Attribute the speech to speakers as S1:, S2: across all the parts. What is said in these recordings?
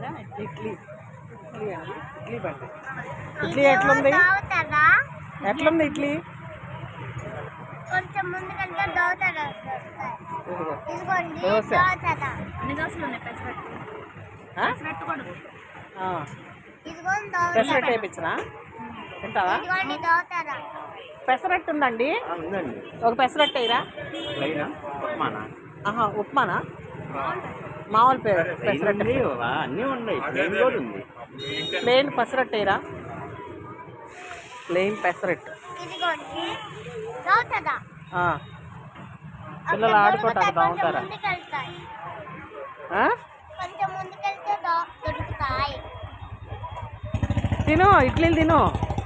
S1: బండా
S2: ఇడ్లీ ఇడ్లీ అండి, ఇడ్లీ బండి. ఇడ్లీ ఎట్లుంది? ఎట్లుంది ఇడ్లీ?
S3: కొంచెం ముందుకెళ్తే దోసలు ఇదిగోండి
S2: దోశ.
S1: ఎన్ని దోశలు ఉన్నాయి? పెసరట్టు కూడా
S3: ఇదిగోండి దోస.
S2: పెసరట్టు వేయించనా? తింటావా?
S3: ఇదిగోండి దోసల.
S2: పెసరట్టు ఉందండి,
S4: ఉందండి.
S2: ఒక పెసరట్టు వేయరా?
S4: ప్లెయినా? ఉప్మానా?
S2: ఆహా, ఉప్మానా? మామూలు పెసరట్టు.
S4: అన్నీ ఉన్నాయి. ప్లెయిన్ కూడా ఉంది.
S2: ప్లెయిన్ పెసరట్టు వేయరా? ప్లెయిన్ పెసరట్టు.
S3: ఇదిగోండి దోసల.
S2: పిల్లలు ఆడుకోవటానికి బాగుంటారా?
S3: ముందుకెళ్తాయి.
S2: ఆ?
S3: కొంచెం ముందుకెళ్తే దొరుకుతాయి.
S2: తిను, ఇడ్లీలు తిను.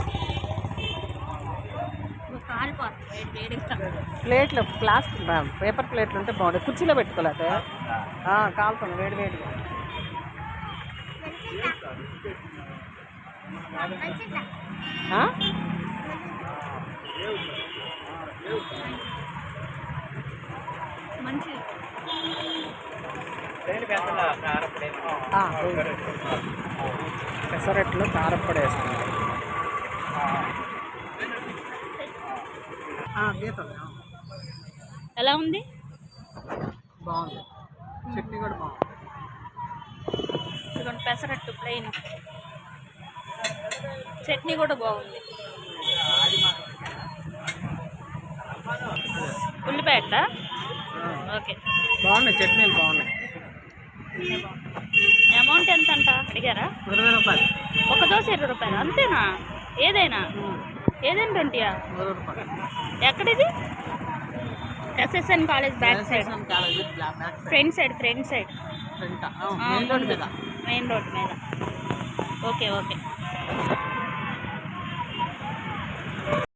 S1: కాలిపోతుంది వేడిగా.
S2: ప్లేట్లు ప్లాస్టిక్ పేపర్ ప్లేట్లు ఉంటే బాగుంటుంది. కుర్చీలో పెట్టుకోలేదే కాలుతుంది వేడి వేడిగా. ఆ?
S1: మంచి
S2: పెసరట్లో కారప్పొడి వేస్తుంది. గీత
S1: ఎలా ఉంది?
S2: బాగుంది. చట్నీ కూడా బాగుంది.
S1: ఇదిగోండి పెసరట్టు ప్లెయిన్, చట్నీ కూడా బాగుంది. ఉల్లిపాయట ఓకే,
S2: బాగున్నాయి చట్నీలు బాగున్నాయి.
S1: అమౌంట్ ఎంత అంట అడిగారా?
S2: 20 రూపాయలు.
S1: ఒక దోశ 20 రూపాయలు అంతేనా? ఏదైనా 20యా?
S2: 20 రూపాయలు.
S1: ఎక్కడిది? SSN college back side, front side
S2: main road మీద.
S1: మెయిన్ రోడ్ మీద. Okay okay.